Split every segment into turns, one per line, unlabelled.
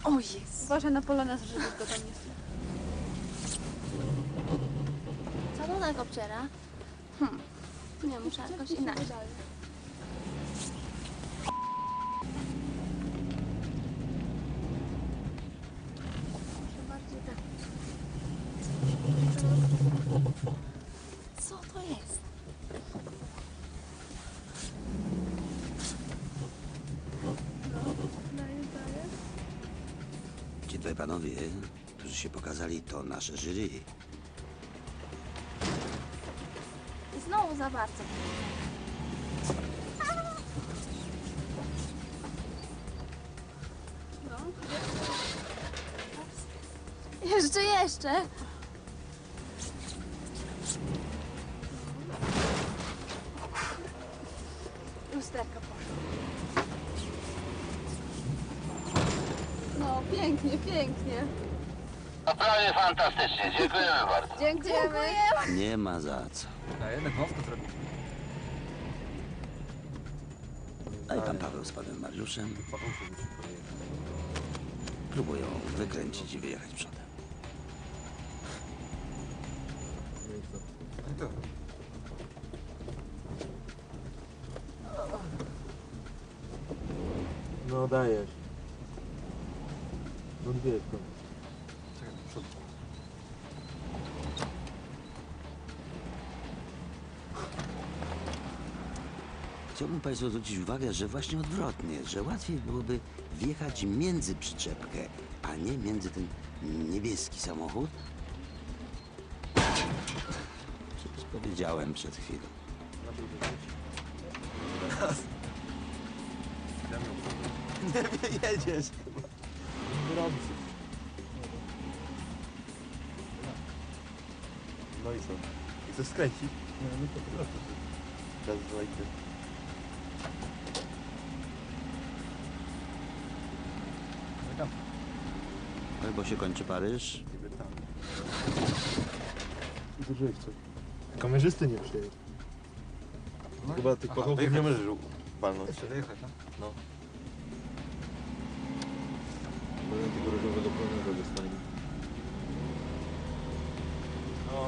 O jest.
Uważaj na polonez, żeby go tam nie
Co to tak obciera? Nie, muszę jakoś inaczej. Bardziej tak. Co to jest?
Ci dwaj panowie, którzy się pokazali, to nasze jury.
I znowu za bardzo. Jeszcze.
Lusterka poszła. No, pięknie.
Naprawdę fantastycznie, dziękujemy bardzo.
Dziękujemy.
Nie ma za co.
A jednak mowkę zrobił.
A i pan Paweł z panem Mariuszem próbują wykręcić i wyjechać przodem.
No dajesz. No dwie to.
Czekaj, do przodu.
Chciałbym państwu zwrócić uwagę, że właśnie odwrotnie, że łatwiej byłoby wjechać między przyczepkę, a nie między ten niebieski samochód. Przecież powiedziałem przed chwilą.
Nie jedziesz.
Gorący.
No i co? Chcesz skręcić?
No, no to proszę.
Teraz dwójkę. Tam.
Albo się kończy Paryż,
Niby tam.
Zużyłeś coś. Kamerzysty nie przyjedzie. Chyba tych pochowów nie
wyjechać.
możesz walnąć.
Jeszcze wyjechać, no?
No. Bo tego różowego pełnego dostanie.
No.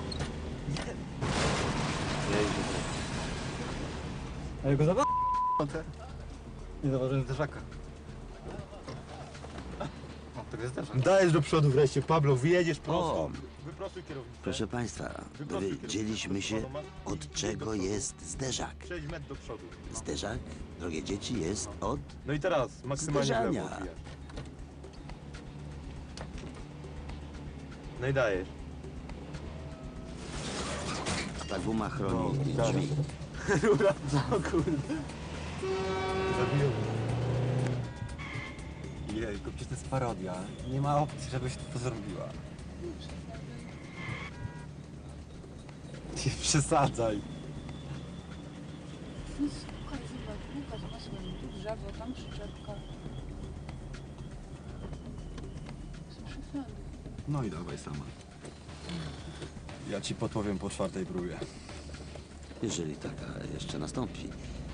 Jeździ.
A ja go nie zauważyłem zderzaka. O, to jest zderzak.
Dajesz do przodu wreszcie, Pablo, wyjedziesz
O!
prosto. Wyprostuj kierownicę.
proszę państwa, dowiedzieliśmy się, od czego jest zderzak.
6 metrów do przodu.
Zderzak, drogie dzieci, jest od...
No i teraz maksymalnie w lewo
Zderzania.
odbijasz. No i dajesz.
Ta guma chroni
No, tak.
drzwi.
Rura, o kurde. Zabiłem.
Jejku, przecież to jest parodia. Nie ma opcji, żebyś to zrobiła. Nie przesadzaj.
Słuchaj, zobacz, masz tu drzewo, tam przyczepka. Są przesady.
No i dawaj sama. Ja ci podpowiem po 4. próbie.
Jeżeli taka jeszcze nastąpi.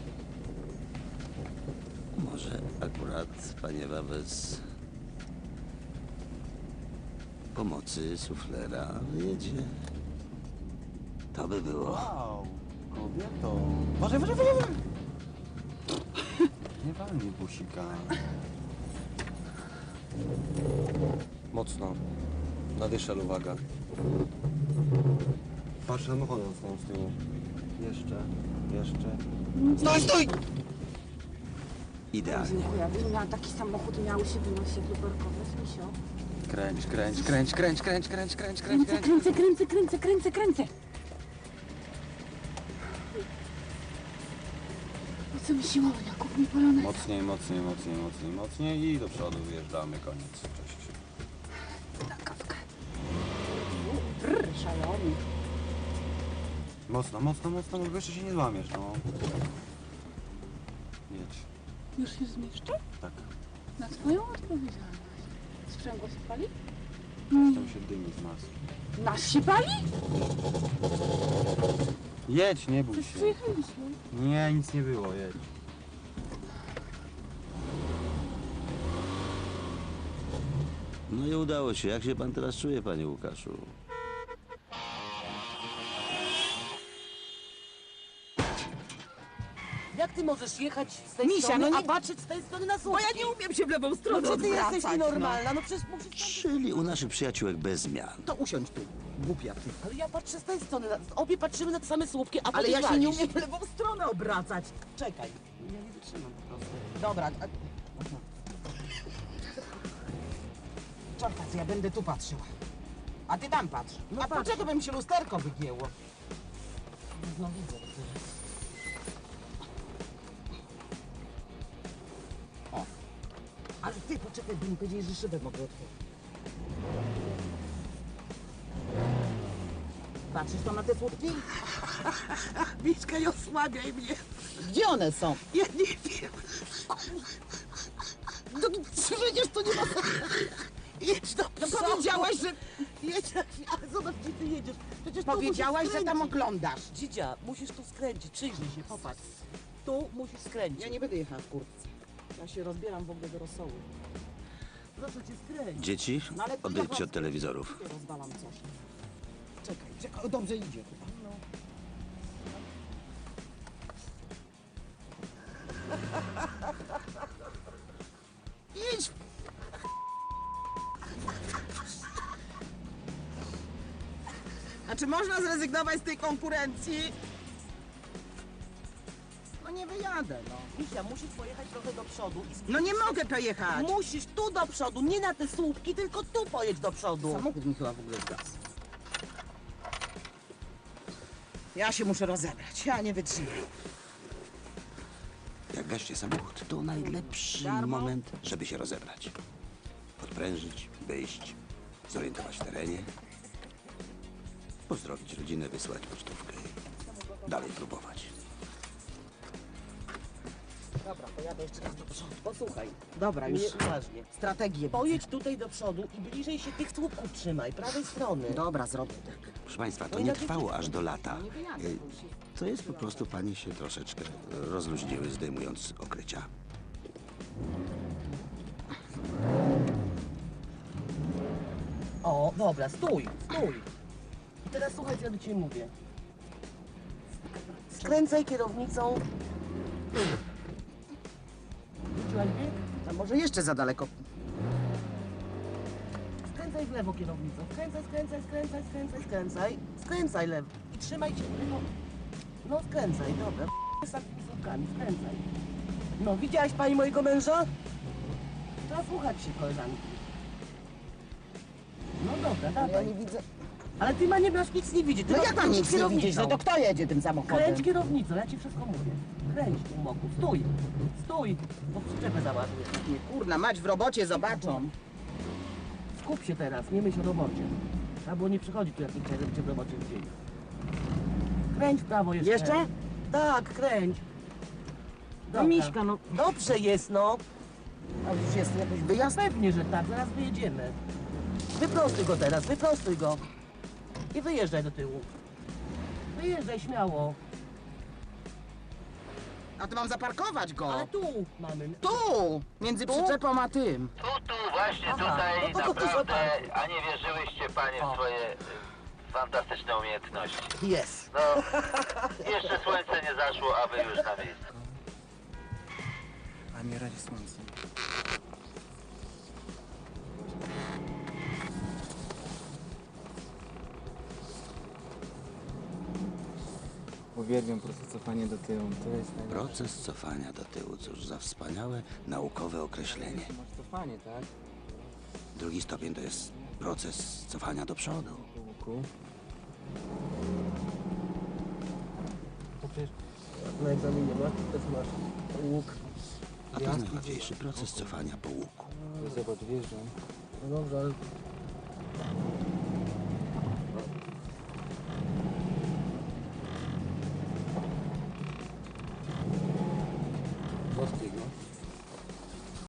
Może akurat paniewa bez pomocy suflera wyjedzie. To by było.
Wow, kobieto. Uważaj. Nie walnij busika. Mocno. Na dyszel, uwaga. Patrz samochodem z tyłu. Jeszcze. Stój!
Idealnie.
Jakby miał taki samochód, miały się wynosi luberkowe, Misio.
Kręć.
Po co mi siłownia? Kup mi polonez.
Mocniej i do przodu wyjeżdżamy, koniec. Cześć.
Na kawkę.
Szalony.
Mocno, bo jeszcze się nie złamiesz, no. Jedź.
Już się zmieszczę?
Tak.
Na twoją odpowiedzialność. Sprzęgło się pali?
Tam się dymi z maski.
Nasz się pali?
Jedź, nie bój
Przecież
się.
przyjechaliśmy.
Nie, nic nie było, jedź.
No i udało się. Jak się pan teraz czuje, panie Łukaszu?
Jak ty możesz jechać z tej
Misia,
strony,
no
a
nie-
patrzeć z tej strony na
Bo
słupki?
ja nie umiem się w lewą stronę
No czy ty
odwracać,
jesteś nienormalna? No przecież musisz...
Czyli u naszych przyjaciółek bez zmian.
To usiądź tu, głupia ty.
Ale ja patrzę z tej strony, obie patrzymy na te same słupki, a
Ale
ty
ja się nie
walisz.
umiem w lewą stronę obracać.
Czekaj, ja nie wytrzymam po prostu.
Dobra. Czekaj, ja będę tu patrzyła. A ty tam patrz.
No
A
patrz.
dlaczego by mi się lusterko wygięło?
No widzę to teraz.
Ale ty poczekaj, bo mi powiedzieli, że szybę mogę otworzyć. Patrzysz tam na te słupki?
Miszka, nie osłabiaj mnie.
Gdzie one są?
Ja nie wiem.
No, przecież to nie ma...
Jedź do
No
przodu.
powiedziałaś, że...
Jedź na chwilę, ale zobacz, gdzie ty jedziesz. Przecież tu
Powiedziałaś,
musisz
że tam
skręcić.
oglądasz.
Dzidzia, musisz tu skręcić, przyjrzyj się, popatrz. Tu musisz skręcić.
Ja nie będę jechała w kurtce. Ja się rozbieram w ogóle do rosołu.
Proszę cię skręć.
Dzieci,
No ale to
odejdźcie
ja
od telewizorów.
Ja rozwalam coś. Czekaj, dobrze idzie chyba.
Idź.
A czy można zrezygnować z tej konkurencji? No nie wyjadę, no.
Misia, musisz pojechać trochę do przodu i
No nie mogę pojechać.
Musisz tu do przodu, nie na te słupki, tylko tu pojedź do przodu.
Samochód mi chyba w ogóle zgasł. Ja się muszę rozebrać, ja nie wytrzymam.
Jak gaście samochód, to najlepszy
Darmo?
moment, żeby się rozebrać. Odprężyć, wyjść, zorientować w terenie, pozdrowić rodzinę, wysłać pocztówkę i dalej próbować.
Dobra, pojadę jeszcze raz do przodu. Posłuchaj,
Dobra, już
nie, uważnie.
strategię.
Pojedź tutaj do przodu i bliżej się tych słupków trzymaj, prawej strony.
Dobra, zrobię tak.
Proszę Państwa, to
No i
nie
na dzieci-
trwało aż do lata.
Nie wyjadę.
Y, To jest po prostu panie się troszeczkę rozluźniły, zdejmując okrycia.
O, dobra, stój, stój. I teraz słuchaj, co ja do ciebie mówię. Skręcaj kierownicą. Wróciłaś bieg?
A może jeszcze za daleko?
Skręcaj w lewo kierownicą. Skręcaj, skręcaj, skręcaj, skręcaj, skręcaj. Skręcaj lewo. I trzymaj się tego. No skręcaj, dobra. Z takimi słupkami, skręcaj. No, widziałaś pani mojego męża? Trzeba słuchać się koleżanki. No dobra,
Ja
dawaj.
nie widzę.
Ale ty ma nie masz nic nie widzieć. Ty
No
masz
ja tam
kręcić
nic nie
kierownicą.
widzisz, no to kto jedzie tym samochodem?
Kręć kierownicą, ja ci wszystko mówię. Kręć tu moku. Stój, stój, bo przyczepę załadujesz.
Nie, kurna, mać w robocie zobaczą.
Skup się teraz, nie myśl o robocie. Trzeba było nie przychodzi tu jak nie chcieli, żeby cię w robocie widzieli. Kręć w prawo jeszcze.
Jeszcze?
Tak, kręć.
No
Dobra.
Miśka, no.
Dobrze jest, no.
A już jest jakoś wyjazd?
Pewnie, że tak, zaraz wyjedziemy. Wyprostuj go teraz, wyprostuj go. I wyjeżdżaj do tyłu. Wyjeżdżaj śmiało.
A to mam zaparkować go.
Ale tu mamy.
Tu! Między przyczepą a tym.
Tu, właśnie
Aha,
tutaj
no to
naprawdę,
zobaczcie.
a nie wierzyłyście panie
O.
w swoje fantastyczne umiejętności.
Jest.
No, jeszcze słońce nie zaszło, a wy już na miejscu.
A nie radzi słońce. Uwielbiam proces cofania do tyłu. To jest najlepsze.
Proces cofania do tyłu, cóż za wspaniałe naukowe określenie.
Masz cofanie, tak?
Drugi stopień to jest proces cofania do przodu.
Po łuku. To przecież
Na egzaminie masz, też masz łuk.
A to jest najłatwiejszy proces cofania po łuku.
zobacz, wjeżdżam.
No dobrze, ale...